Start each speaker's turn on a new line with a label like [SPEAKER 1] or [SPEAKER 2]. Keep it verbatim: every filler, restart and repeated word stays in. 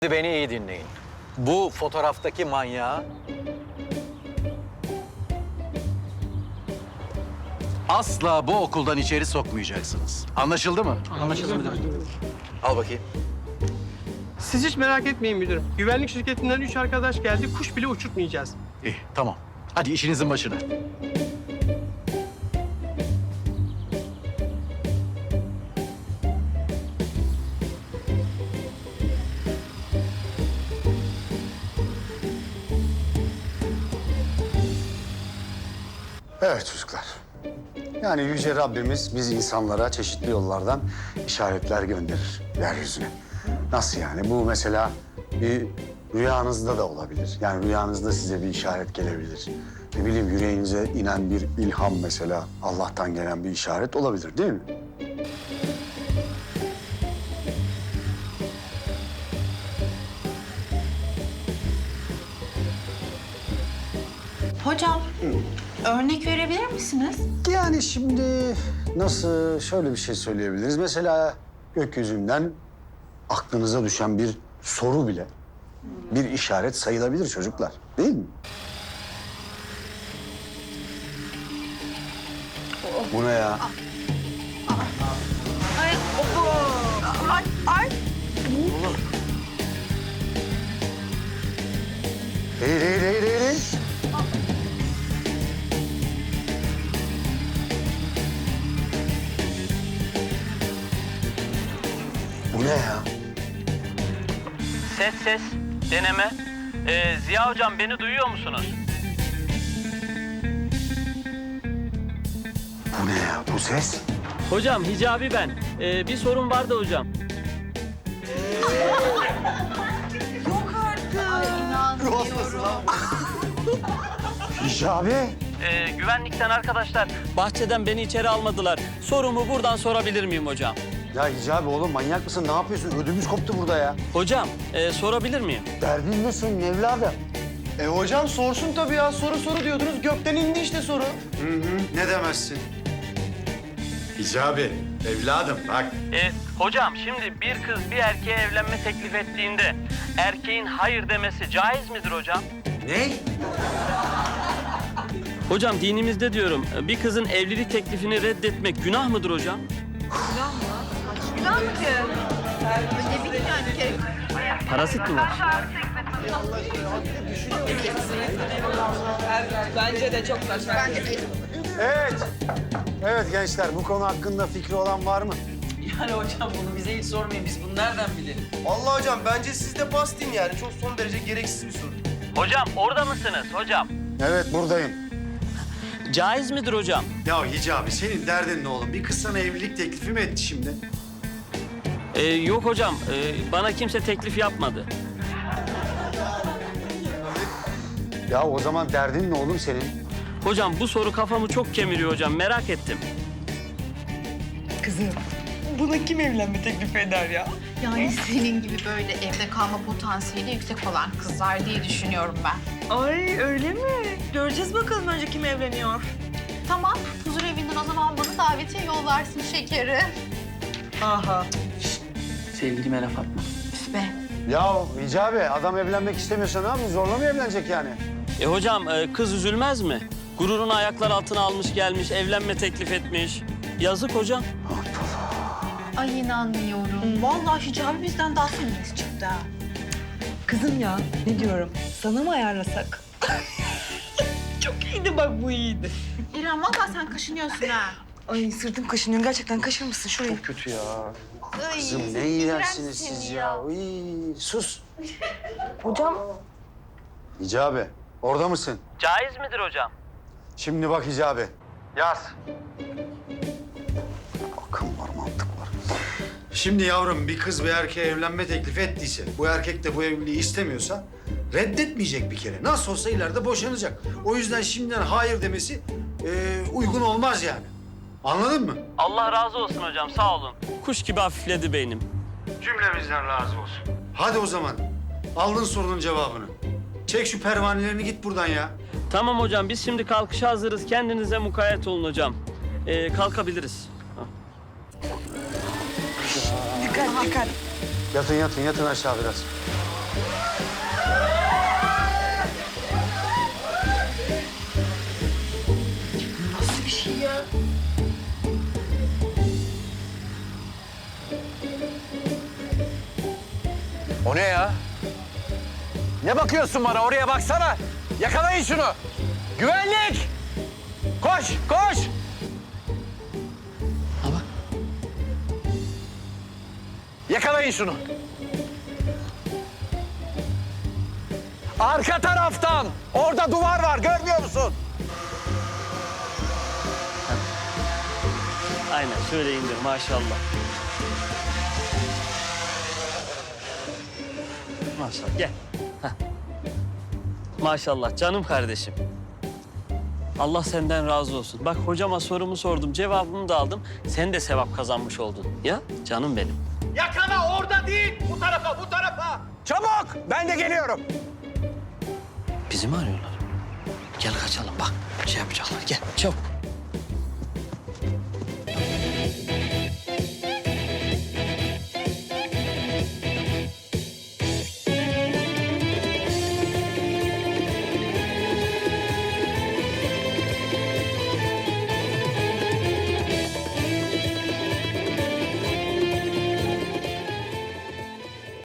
[SPEAKER 1] Beni iyi dinleyin. Bu fotoğraftaki manyağı asla bu okuldan içeri sokmayacaksınız. Anlaşıldı mı?
[SPEAKER 2] Anlaşıldı müdürüm.
[SPEAKER 1] Al bakayım.
[SPEAKER 3] Siz hiç merak etmeyin müdürüm. Güvenlik şirketinden üç arkadaş geldi, kuş bile uçurtmayacağız.
[SPEAKER 1] İyi, tamam. Hadi işinizin başına.
[SPEAKER 4] Evet çocuklar. Yani Yüce Rabbimiz biz insanlara çeşitli yollardan işaretler gönderir yeryüzüne. Nasıl yani? Bu mesela bir rüyanızda da olabilir. Yani rüyanızda size bir işaret gelebilir. Ne bileyim yüreğinize inen bir ilham mesela Allah'tan gelen bir işaret olabilir değil mi?
[SPEAKER 5] Hocam, örnek verebilir misiniz?
[SPEAKER 4] Yani şimdi nasıl şöyle bir şey söyleyebiliriz. Mesela gökyüzünden aklınıza düşen bir soru bile bir işaret sayılabilir çocuklar. Değil mi? Bu ne ya?
[SPEAKER 5] Ay, oho. Ay, ay.
[SPEAKER 4] Değil, değil, değil, değil, değil. Bu ne ya?
[SPEAKER 2] Ses ses, deneme. Ee, Ziya hocam beni duyuyor musunuz?
[SPEAKER 4] Bu ne ya? Bu ses?
[SPEAKER 2] Hocam Hicabi ben. Ee, bir sorun vardı hocam.
[SPEAKER 5] İnanmıyorum.
[SPEAKER 4] Hicabi.
[SPEAKER 2] Ee, güvenlikten arkadaşlar bahçeden beni içeri almadılar. Sorumu buradan sorabilir miyim hocam?
[SPEAKER 4] Ya Hicabi oğlum manyak mısın? Ne yapıyorsun? Ödümüz koptu burada ya.
[SPEAKER 2] Hocam e, sorabilir miyim?
[SPEAKER 4] Derdin ne senin evladım?
[SPEAKER 3] E hocam sorsun tabii ya. Soru soru diyordunuz. Gökten indi işte soru.
[SPEAKER 4] Hı hı. Ne demezsin? Hicabi, evladım bak.
[SPEAKER 2] Ee, hocam şimdi bir kız bir erkeğe evlenme teklif ettiğinde erkeğin hayır demesi caiz midir hocam?
[SPEAKER 4] Ne?
[SPEAKER 2] Hocam dinimizde diyorum bir kızın evlilik teklifini reddetmek günah mıdır hocam?
[SPEAKER 5] Güzel mi ki? Ne bileyim yani bir kere.
[SPEAKER 2] Parasit mi var?
[SPEAKER 6] Bence de çok saçma. Bence de.
[SPEAKER 4] Evet. Evet gençler bu konu hakkında fikri olan var mı?
[SPEAKER 6] Yani hocam bunu bize hiç sormayın. Biz bunu nereden bilelim?
[SPEAKER 3] Vallahi hocam bence siz de pas deyin yani. Çok son derece gereksiz bir soru.
[SPEAKER 2] Hocam orada mısınız hocam?
[SPEAKER 4] Evet buradayım.
[SPEAKER 2] Caiz midir hocam?
[SPEAKER 4] Ya Hicabi senin derdin ne oğlum? Bir kız sana evlilik teklifi mi etti şimdi?
[SPEAKER 2] Ee, yok hocam ee, bana kimse teklif yapmadı.
[SPEAKER 4] Ya o zaman derdin ne oğlum senin?
[SPEAKER 2] Hocam bu soru kafamı çok kemiriyor hocam merak ettim.
[SPEAKER 6] Kızım, buna kim evlenme teklifi eder ya?
[SPEAKER 5] Yani senin gibi böyle evde kalma potansiyeli yüksek olan kızlar diye düşünüyorum ben.
[SPEAKER 6] Ay öyle mi? Göreceğiz bakalım önce kim evleniyor.
[SPEAKER 5] Tamam, huzur evinden o zaman bana davetiye yollarsın şekeri.
[SPEAKER 6] Aha.
[SPEAKER 2] Sevgilime laf atma.
[SPEAKER 5] Üf be.
[SPEAKER 4] Ya Hicabi adam evlenmek istemiyorsa ne yapayım? Zorla mı evlenecek yani?
[SPEAKER 2] E hocam e, kız üzülmez mi? Gururunu ayaklar altına almış gelmiş, evlenme teklif etmiş. Yazık hocam.
[SPEAKER 5] Ay inanmıyorum. Vallahi Hicabi bizden daha feminist çıktı ha.
[SPEAKER 6] Kızım ya, ne diyorum? Sana mı ayarlasak? Çok iyiydi bak, bu iyiydi.
[SPEAKER 5] İrem vallahi sen kaşınıyorsun ha.
[SPEAKER 6] Ay sırtım kaşınıyor. Gerçekten kaşır mısın şurayı?
[SPEAKER 4] Kötü ya.
[SPEAKER 5] Ay,
[SPEAKER 4] Kızım ne iğrençsiniz siz ya. Uy, sus.
[SPEAKER 6] Hocam.
[SPEAKER 4] Hicabi orada mısın?
[SPEAKER 2] Caiz midir hocam?
[SPEAKER 4] Şimdi bak Hicabi. Yaz. Akıl var, mantık var. Şimdi yavrum bir kız bir erkeğe evlenme teklifi ettiyse, bu erkek de bu evliliği istemiyorsa reddetmeyecek bir kere. Nasıl olsa ileride boşanacak. O yüzden şimdiden hayır demesi e, uygun olmaz yani. Anladın mı?
[SPEAKER 2] Allah razı olsun hocam sağ olun. Kuş gibi hafifledi beynim.
[SPEAKER 4] Cümlemizden razı olsun. Hadi o zaman. Aldın sorunun cevabını. Çek şu pervanelerini git buradan ya.
[SPEAKER 2] Tamam hocam biz şimdi kalkışa hazırız. Kendinize mukayyet olun hocam. Ee, kalkabiliriz.
[SPEAKER 6] Dikkat dikkat.
[SPEAKER 4] Yatın yatın yatın aşağı biraz.
[SPEAKER 1] O ne ya? Ne bakıyorsun bana? Oraya baksana. Yakalayın şunu. Güvenlik! Koş, koş!
[SPEAKER 2] Ha bak.
[SPEAKER 1] Yakalayın şunu. Arka taraftan. Orada duvar var. Görmüyor musun?
[SPEAKER 2] Aynen şöyle indir maşallah. Maşallah gel. Heh. Maşallah canım kardeşim. Allah senden razı olsun. Bak hocama sorumu sordum, cevabını da aldım. Sen de sevap kazanmış oldun. Ya canım benim.
[SPEAKER 1] Yakala orada değil. Bu tarafa, bu tarafa. Çabuk. Ben de geliyorum.
[SPEAKER 2] Bizi mi arıyorlar? Gel kaçalım bak. Şey yapacaklar. Gel çabuk.